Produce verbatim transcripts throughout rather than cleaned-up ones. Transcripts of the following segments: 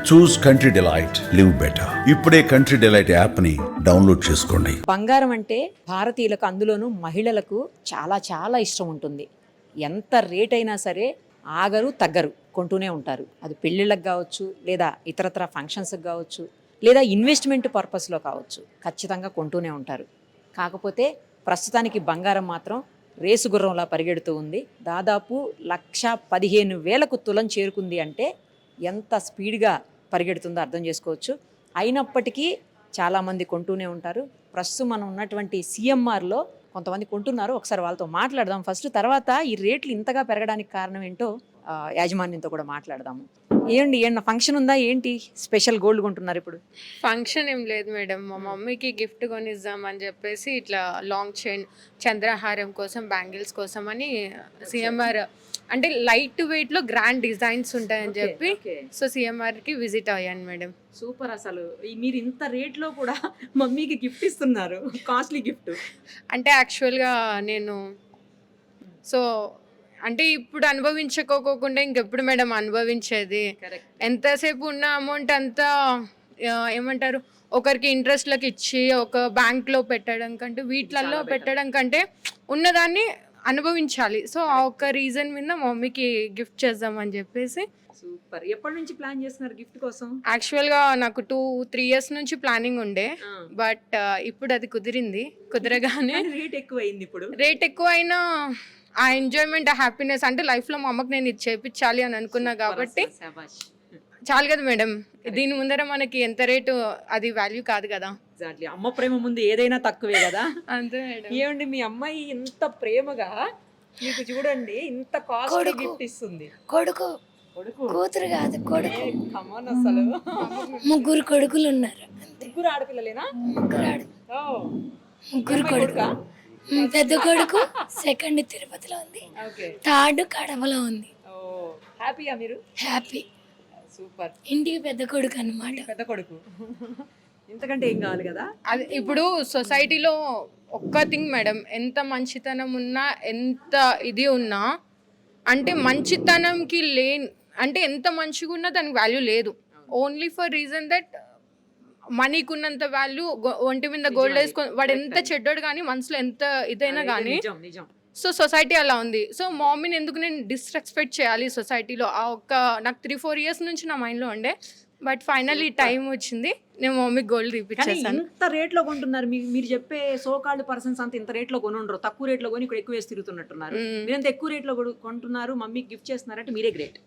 చూస్ country delight live better. ఇప్పుడే country delight app ని download చేసుకోండి. బంగారం అంటే భారతీయులకు, అందులోనూ మహిళలకు చాలా చాలా ఇష్టం ఉంటుంది. ఎంత రేట్ అయినా సరే ఆగరు తగ్గరు, కొంటూనే ఉంటారు. అది పెళ్ళిళ్ళకి కావచ్చు, లేదా ఇతరత్ర ఫంక్షన్స్కి కావచ్చు, లేదా ఇన్వెస్ట్మెంట్ పర్పస్లో కావచ్చు, ఖచ్చితంగా కొంటూనే ఉంటారు. కాకపోతే ప్రస్తుతానికి బంగారం మాత్రం రేసు గుర్రంలా పరిగెడుతూ ఉంది. దాదాపు లక్ష పదిహేను వేలకు తులం చేరుకుంది అంటే ఎంత స్పీడ్గా పరిగెడుతుందో అర్థం చేసుకోవచ్చు. అయినప్పటికీ చాలామంది కొంటూనే ఉంటారు. ప్రస్తుతం మనం ఉన్నటువంటి సిఎంఆర్లో కొంతమంది కొంటున్నారు. ఒకసారి వాళ్ళతో మాట్లాడదాం ఫస్ట్, తర్వాత ఈ రేట్లు ఇంతగా పెరగడానికి కారణం ఏంటో ఆ, యాజమాన్యంతో కూడా మాట్లాడదాము. ఏంటి ఏమన్నా ఫంక్షన్ ఉందా ఏంటి? స్పెషల్ గోల్డ్ కొంటున్నారు ఇప్పుడు? ఫంక్షన్ ఏం లేదు మేడం, మా మమ్మీకి గిఫ్ట్ కొనిద్దాం అని చెప్పేసి ఇట్లా లాంగ్ చైన్ చంద్రహారం కోసం, బ్యాంగిల్స్ కోసం అని సిఎంఆర్ అంటే లైట్ వెయిట్ లో గ్రాండ్ డిజైన్స్ ఉంటాయని చెప్పి సో సిఎంఆర్ కి విజిట్ అయ్యాను మేడం. సూపర్. అసలు ఈ మీరు ఇంత రేట్లో కూడా మమ్మీకి గిఫ్ట్ ఇస్తున్నారు, కాస్ట్లీ గిఫ్ట్. అంటే యాక్చువల్గా నేను సో అంటే ఇప్పుడు అనుభవించుకోకుండా ఇంకెప్పుడు మేడం అనుభవించేది. ఎంతసేపు ఉన్న అమౌంట్ అంతా ఆ, ఏమంటారు ఒకరికి ఇంట్రెస్ట్లకు ఇచ్చి ఒక బ్యాంక్లో పెట్టడం కంటే వీటిలలో పెట్టడం కంటే ఉన్నదాన్ని అనుభవించాలి. సో ఆ ఒక్క రీజన్ మీద మా మమ్మీకి గిఫ్ట్ చేద్దామని చెప్పేసి. సూపర్. ఎప్పటి నుంచి ప్లాన్ చేస్తున్నారు గిఫ్ట్ కోసం? యాక్చువల్గా నాకు టూ త్రీ ఇయర్స్ నుంచి ప్లానింగ్ ఉండే, బట్ ఇప్పుడు అది కుదిరింది. కుదరగానే రేట్ ఎక్కువ అయింది. ఇప్పుడు రేట్ ఎక్కువ అయినా ఆ ఎంజాయ్మెంట్, ఆ హ్యాపీనెస్ అంటే లైఫ్లో మా అమ్మకి నేను ఇది చేయించాలి అని అనుకున్నా కాబట్టి చాలు కదా మేడం. దీని ముందర మనకి ఎంత రేటు అది వాల్యూ కాదు కదా. ఎగ్జాక్ట్లీ. అమ్మ ప్రేమ ముందు ఏదైనా తక్కువే కదా. అంతే మేడం. ఏమండి మీ అమ్మాయి ఇంత ప్రేమగా మీకు చూడండి ఇంత కాస్ట్లీ గిఫ్ట్ ఇస్తుంది. కొడుకు కొడుకు కూతురు కాదు, కొడుకు. కమాన్ అసలు. ముగ్గురు కొడుకులు ఉన్నారు. అంతే. ముగ్గురు ఆడపిల్లలేనా? ముగ్గురు ఆడు ఓ, ముగ్గురు అమ్మాయి కొడుకు. కొడుకా? ఉమ్, పెద్ద కొడుకు సెకండ్ తిరుపతిలో ఉంది, ఓకే. థర్డ్ కడపలో ఉంది. ఓ, హ్యాపీయా మీరు? హ్యాపీ. సూపర్. ఇంటికి పెద్ద కొడుకు అన్నమాట. పెద్ద కొడుకు. ఇంతకంటే ఏం కావాలి కదా. అది ఇప్పుడు సొసైటీలో ఒక్క థింగ్ మేడం, ఎంత మంచితనం ఉన్నా ఎంత ఇది ఉన్నా అంటే మంచితనంకి లేని అంటే ఎంత మంచిగా ఉన్నా దానికి వాల్యూ లేదు. ఓన్లీ ఫర్ రీజన్ దట్ మనీకి ఉన్నంత వాల్యూ ఒంటి మీద గోల్డ్ వేసుకొని వాడు ఎంత చెడ్డోడు కానీ మనసులో ఎంత ఇదైనా కానీ. నిజం నిజం. సో సొసైటీ అలా ఉంది. సో మమ్మీని ఎందుకు నేను డిస్రెస్పెక్ట్ చేయాలి సొసైటీలో? ఆ ఒక్క నాకు త్రీ ఫోర్ ఇయర్స్ నుంచి నా మైండ్లో ఉండే, బట్ ఫైనల్లీ టైం వచ్చింది, నేను మమ్మీకి గోల్డ్ కానీ తీపిచ్చేసాను. ఇంత రేట్లో కొంటున్నారు. మీ- మీరు చెప్పే సో కాల్డ్ పర్సన్స్ అంత ఇంత రేట్లో కొని ఉండరు. తక్కువ రేట్లో కొని ఇక్కడ ఎక్కువ వేసి తిరుగుతున్నట్టున్నారు. మీరు ఎంత ఎక్కువ రేట్లో కొడు- కొంటున్నారు, మమ్మీకి గిఫ్ట్ చేస్తున్నారంటే మీరే great.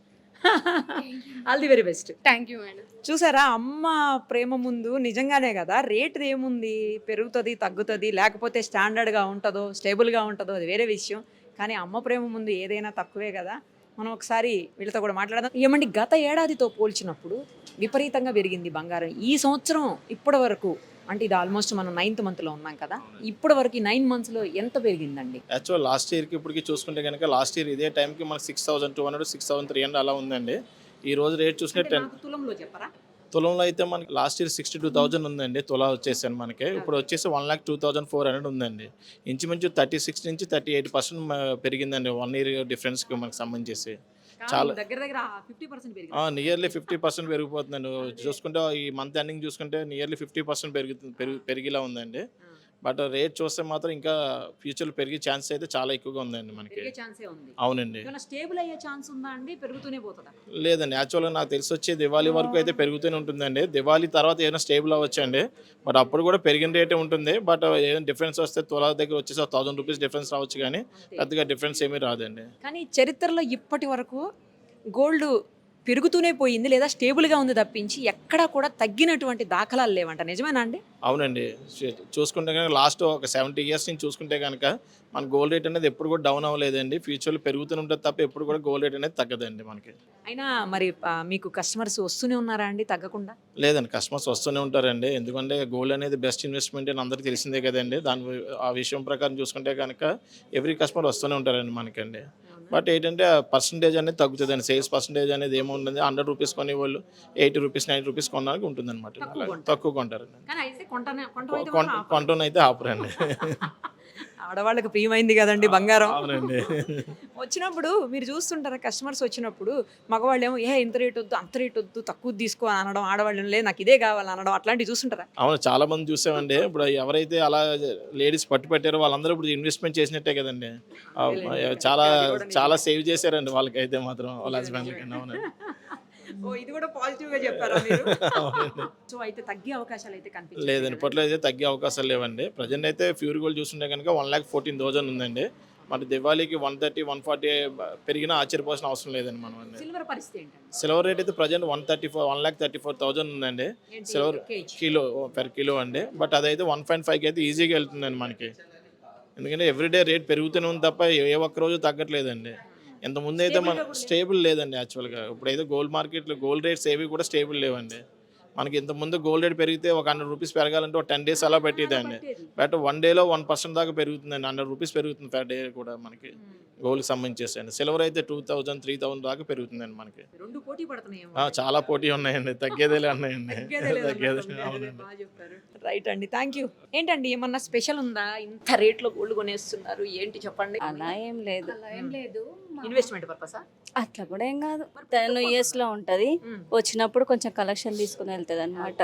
All the very best. Thank you madam. చూసారా, అమ్మ ప్రేమ ముందు నిజంగానే కదా రేట్ ఏముంది, పెరుగుతుంది తగ్గుతుంది, లేకపోతే స్టాండర్డ్గా ఉంటుందో స్టేబుల్గా ఉంటుందో అది వేరే విషయం. కానీ అమ్మ ప్రేమ ముందు ఏదైనా తక్కువే కదా. మనం ఒకసారి వీళ్ళతో కూడా మాట్లాడదాం. ఏమండి, గత ఏడాదితో పోల్చినప్పుడు విపరీతంగా పెరిగింది బంగారం. ఈ సంవత్సరం ఇప్పటి వరకు అంటే ఇది ఆల్మోస్ట్ మనం నైన్త్ మంత్లో ఉన్నాం కదా, ఇప్పటి వరకు ఈ నైన్ మంత్స్లో ఎంత పెరిగిందండి? యాక్చువల్ లాస్ట్ ఇయర్కి ఇప్పటికి చూసుకుంటే కనుక లాస్ట్ ఇయర్ ఇదే టైంకి మనకి six thousand two hundred six thousand three hundred అలా ఉందండి. ఈ రోజు రేట్ చూసుకుంటే టెన్ నాకు తులంలో చెప్పరా? తులంలో అయితే మనకి last year sixty two thousand ఉందండి తులా వచ్చేసాను మనకి. ఇప్పుడు వచ్చేసి one lakh two thousand four hundred ఉందండి. ఇంచుమించు థర్టీ సిక్స్ నుంచి థర్టీ ఎయిట్ పర్సెంట్ పెరిగిందండి వన్ ఇయర్ డిఫరెన్స్కి మనకు సంబంధించి. చాలా దగ్గర దగ్గర ఫిఫ్టీ పర్సెంట్ పెరిగింది. నియర్లీ ఫిఫ్టీ పర్సెంట్ పెరిగిపోతుందండి. చూసుకుంటే ఈ మంత్ ఎండింగ్ చూసుకుంటే నియర్లీ ఫిఫ్టీ పర్సెంట్ పెరుగుతుంది పెరుగు పెరిగిలా ఉందండి. బట్ రేట్ చూస్తే మాత్రం ఇంకా ఫ్యూచర్లో పెరిగే ఛాన్స్ అయితే చాలా ఎక్కువగా ఉందండి మనకి. పెరిగే ఛాన్సే ఉంది. అవునండి. ఏమైనా స్టేబుల్ అయ్యే ఛాన్స్ ఉందా అండి? పెరుగుతూనే పోతుందా? లేదండి, యాక్చువల్గా నాకు తెలిసి వచ్చే దివాళీ వరకు అయితే పెరుగుతూనే ఉంటుందండి. దివాళీ తర్వాత ఏదైనా స్టేబుల్ అవ్వచ్చండి, బట్ అప్పుడు కూడా పెరిగిన రేటే ఉంటుంది. బట్ ఏదైనా డిఫరెన్స్ వస్తే తులా దగ్గర వచ్చేసి థౌసండ్ రూపీస్ డిఫరెన్స్ రావచ్చు, కానీ పెద్దగా డిఫరెన్స్ ఏమీ రాదండి. కానీ చరిత్రలో ఇప్పటి వరకు గోల్డ్ పెరుగుతూనే పోయింది, లేదా స్టేబుల్గా ఉంది తప్పించి ఎక్కడా కూడా తగ్గినటువంటి దాఖలాలు లేవంట. నిజమేనా అండి? అవునండి. చూ- చూసుకుంటే కనుక లాస్ట్ ఒక సెవెంటీ ఇయర్స్ నుంచి చూసుకుంటే కనుక మన గోల్డ్ రేట్ అనేది ఎప్పుడు కూడా డౌన్ అవ్వలేదండి. ఫ్యూచర్లో పెరుగుతూనే ఉంటుంది తప్ప ఎప్పుడు కూడా గోల్డ్ రేట్ అనేది తగ్గదండి మనకి. అయినా మరి ఆ, మీకు కస్టమర్స్ వస్తూనే ఉన్నారా అండి తగ్గకుండా? లేదండి, కస్టమర్స్ వస్తూనే ఉంటారండి. ఎందుకంటే గోల్డ్ అనేది బెస్ట్ ఇన్వెస్ట్మెంట్ అని అందరికీ తెలిసిందే కదండి. దాని ఆ విషయం ప్రకారం చూసుకుంటే కనుక ఎవ్రీ కస్టమర్ వస్తూనే ఉంటారండి మనకండి. బట్ ఏంటంటే పర్సంటేజ్ అనేది తగ్గుతుందండి. సేల్స్ పర్సంటేజ్ అనేది ఏముంటుంది, హండ్రెడ్ రూపీస్ కొని వాళ్ళు ఎయిటీ రూపీస్ నైన్ రూపీస్ కొనడానికి ఉంటుంది అనమాట. తక్కువ కొంటారండి. కానీ అయితే కొంటనే కొంటమైతే కొంటూనైతే ఆపరండి. ఆడవాళ్ళకి ప్రియమైంది కదండి బంగారం. అవునండి. వచ్చినప్పుడు మీరు చూస్తుంటారా కస్టమర్స్ వచ్చినప్పుడు మగవాళ్ళు ఏమో ఏ ఇంత రేట్ వద్దు అంత రేట్ వద్దు తక్కువ తీసుకో అని అనడం, ఆడవాళ్ళు లేదు నాకు ఇదే కావాలి అనడం, అట్లాంటివి చూస్తుంటారా? అవును, చాలా మంది చూసామండి. ఇప్పుడు ఎవరైతే అలా లేడీస్ పట్టు పెట్టారో వాళ్ళందరూ ఇప్పుడు ఇన్వెస్ట్మెంట్ చేసినట్టే కదండి. ఆ, చాలా చాలా సేవ్ చేశారండి వాళ్ళకైతే మాత్రం వాళ్ళ హస్బెండ్లకి. అవునండి. ఓ ఇది కూడా పాజిటివ్ గా చెప్పారా మీరు? అవునండి. సో అయితే తగ్గే అవకాశాలు అయితే కనిపించలేదు. లేదండి, ఇప్పట్లో అయితే తగ్గే అవకాశాలు లేవండి. ప్రజెంట్ అయితే ప్యూర్ గోల్డ్ చూస్తుంటే కనుక వన్ ల్యాక్ ఫోర్టీన్ థౌసండ్ ఉందండి. మన దివాళీకి వన్ థర్టీ వన్ ఫార్టీ పెరిగినా ఆశ్చర్యపోవాల్సిన అవసరం లేదండి మనం అండి. సిల్వర్ పరిస్థితి ఏంటండి? సిల్వర్ రేట్ అయితే present one thirty four one lakh thirty four thousand ఉందండి ఏంటి? Silver KG? Kilo per kilo అండి. బట్ అదైతే వన్ పాయింట్ ఫైవ్కి అయితే ఈజీగా వెళ్తుందండి మనకి. ఎందుకంటే ఎవ్రీడే రేట్ పెరుగుతూనే ఉంది తప్ప ఏ ఒక్క రోజు తగ్గట్లేదండి. ఇంతకుముందు అయితే మన స్టేబుల్ లేదండి యాక్చువల్గా. ఇప్పుడైతే గోల్డ్ మార్కెట్లో గోల్డ్ రేట్స్ ఏవి కూడా స్టేబుల్ లేవండి. మనకి ఇంతకుముందు గోల్డ్ రేట్ పెరిగితే ఒక హండ్రెడ్ రూపీస్ పెరగాలంటే ఒక టెన్ డేస్ అలా పెట్టేదండి. బట్ వన్ డేలో వన్ పర్సెంట్ దాకా పెరుగుతుందండి. హండ్రెడ్ రూపీస్ పెరుగుతుంది పర్ డే కూడా మనకి గోల్డ్కి సంబంధించేసండి. సిల్వర్ అయితే టూ థౌజండ్ త్రీ థౌసండ్ దాకా పెరుగుతుందండి మనకి. రెండు పోటీ పడుతున్నాయేమో. ఆ, చాలా పోటీ ఉన్నాయండి, తగ్గేదేలే ఉన్నాయండి. తగ్గేదే. రైట్ అండి, థ్యాంక్ యూ. ఏంటండి ఏమన్నా స్పెషల్ ఉందా? ఇంత రేట్లో గోల్డ్ కొనేస్తున్నారు ఏంటి చెప్పండి. అలా ఏం లేదు. ఏం లేదు. ఇన్వెస్ట్మెంట్ పర్పసా? అట్లా కూడా ఏం కాదు. టెన్ ఇయర్స్ లో ఉంటది, వచ్చినప్పుడు కొంచెం కలెక్షన్ తీసుకుని వెళ్తుంది అనమాట.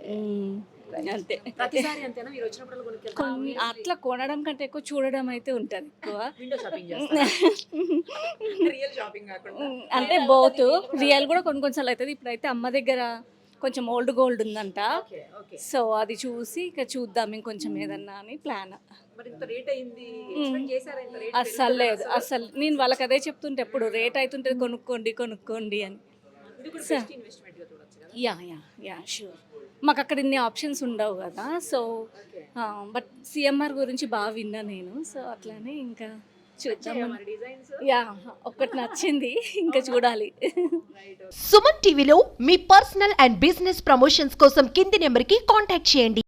అంతే. ప్రతిసారి అంతేనా మీరు వచ్చినప్పుడు కొనుక్కెళ్తారా? కొన్ని అట్లా కొనడం కంటే ఎక్కువ చూడడం అయితే ఉంటది ఎక్కువ. విండో షాపింగ్ చేస్తారా? రియల్ షాపింగ్ కాకుండా. అంటే బోత్ రియల్ కూడా కొన్ని కొన్నిసార్లు అవుతుంది. ఇప్పుడైతే అమ్మ దగ్గర కొంచెం ఓల్డ్ గోల్డ్ ఉందంట, ఓకే ఓకే. సో అది చూసి ఇక చూద్దాం ఇంకొంచెం ఏదన్నా అని ప్లాన్. మరి ఇంత రేట్ అయింది ఎక్స్పెక్ట్ చేశారా? ఇంత రేట్ అస్సలు లేదు, అస్సలు. నేను వాళ్ళకి అదే చెప్తుంటే ఎప్పుడు రేట్ అవుతుంటుంది కొనుక్కోండి కొనుక్కోండి అని. ఇది కూడా బెస్ట్ ఇన్వెస్ట్మెంట్ గా చూడొచ్చు కదా. Yeah yeah yeah sure. మాకు అక్కడ ఇన్ని ఆప్షన్స్ ఉండవు కదా, సో బట్ సిఎంఆర్ గురించి బాగా విన్నా నేను, సో అట్లానే ఇంకా చూద్దాం. మరి డిజైన్స్ యా ఒక్కటి నచ్చింది, ఇంకా చూడాలి. సుమన్ టీవీలో మీ పర్సనల్ అండ్ బిజినెస్ ప్రమోషన్స్ కోసం కింది నెంబర్కి కాంటాక్ట్ చేయండి.